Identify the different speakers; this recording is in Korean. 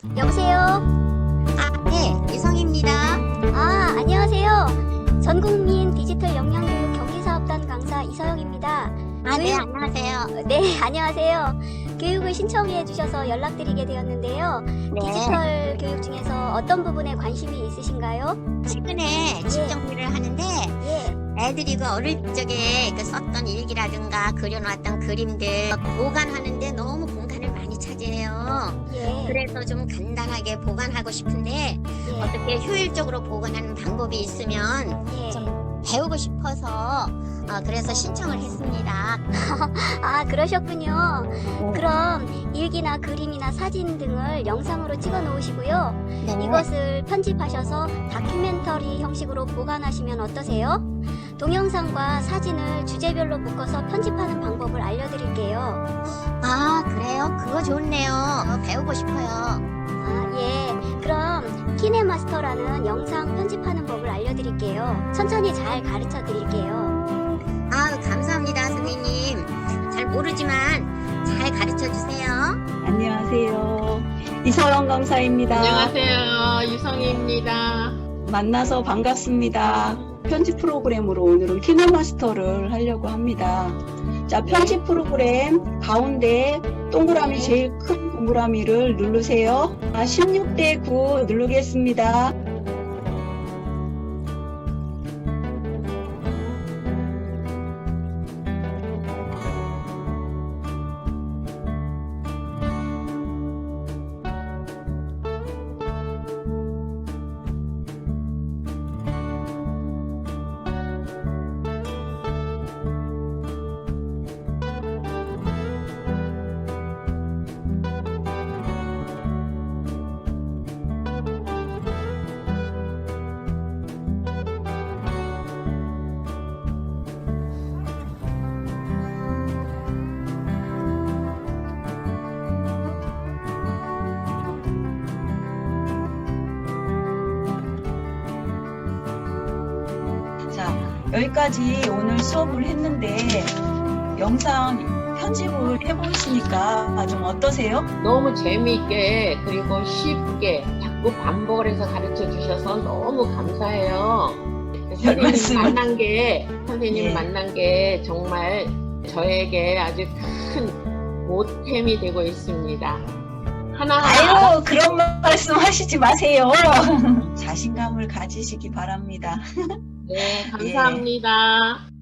Speaker 1: 여보세요?
Speaker 2: 네, 이성입니다.
Speaker 1: 안녕하세요. 전국민 디지털 역량교육 경기사업단 강사 이서영입니다.
Speaker 2: 네, 안녕하세요.
Speaker 1: 네, 안녕하세요. 교육을 신청해 주셔서 연락드리게 되었는데요.
Speaker 2: 네,
Speaker 1: 디지털 교육 중에서 어떤 부분에 관심이 있으신가요?
Speaker 2: 최근에 집 정리를 하는데
Speaker 1: 예,
Speaker 2: 애들이 그 어릴 적에 그 썼던 일기라든가 그려놨던 그림들 보관하는데 너무 공간을 많이 차지해요.
Speaker 1: 예,
Speaker 2: 그래서 좀 간단하게 보관하고 싶은데
Speaker 1: 예,
Speaker 2: 어떻게 효율적으로 보관하는 방법이 있으면
Speaker 1: 예.
Speaker 2: 좀 배우고 싶어서 그래서 신청을 했습니다.
Speaker 1: 그러셨군요.
Speaker 2: 네.
Speaker 1: 그럼 일기나 그림이나 사진 등을 영상으로 찍어 놓으시고요.
Speaker 2: 네.
Speaker 1: 이것을 편집하셔서 다큐멘터리 형식으로 보관하시면 어떠세요? 동영상과 사진을 주제별로 묶어서 편집하는 방법을 알려드릴게요.
Speaker 2: 그래요? 그거 좋네요. 배우고 싶어요.
Speaker 1: 예. 그럼 키네마스터라는 영상 편집하는 법을 알려드릴게요. 천천히 잘 가르쳐 드릴게요.
Speaker 2: 감사합니다, 선생님. 잘 모르지만 잘 가르쳐 주세요.
Speaker 3: 안녕하세요. 이서영 강사입니다.
Speaker 4: 안녕하세요. 유성희입니다.
Speaker 3: 만나서 반갑습니다. 편집 프로그램으로 오늘은 키네마스터를 하려고 합니다. 자, 편집 프로그램 가운데 동그라미 제일 큰 동그라미를 누르세요. 16대 9 누르겠습니다. 자, 여기까지 오늘 수업을 했는데 영상 편집을 해보시니까 좀 어떠세요?
Speaker 4: 너무 재미있게 그리고 쉽게 자꾸 반복을 해서 가르쳐 주셔서 너무 감사해요. 선생님
Speaker 3: 예.
Speaker 4: 만난 게 정말 저에게 아주 큰 보탬이 되고 있습니다. 하나하나
Speaker 3: 아유, 그런 말씀 하시지 마세요. 자신감을 가지시기 바랍니다.
Speaker 4: 네, 감사합니다.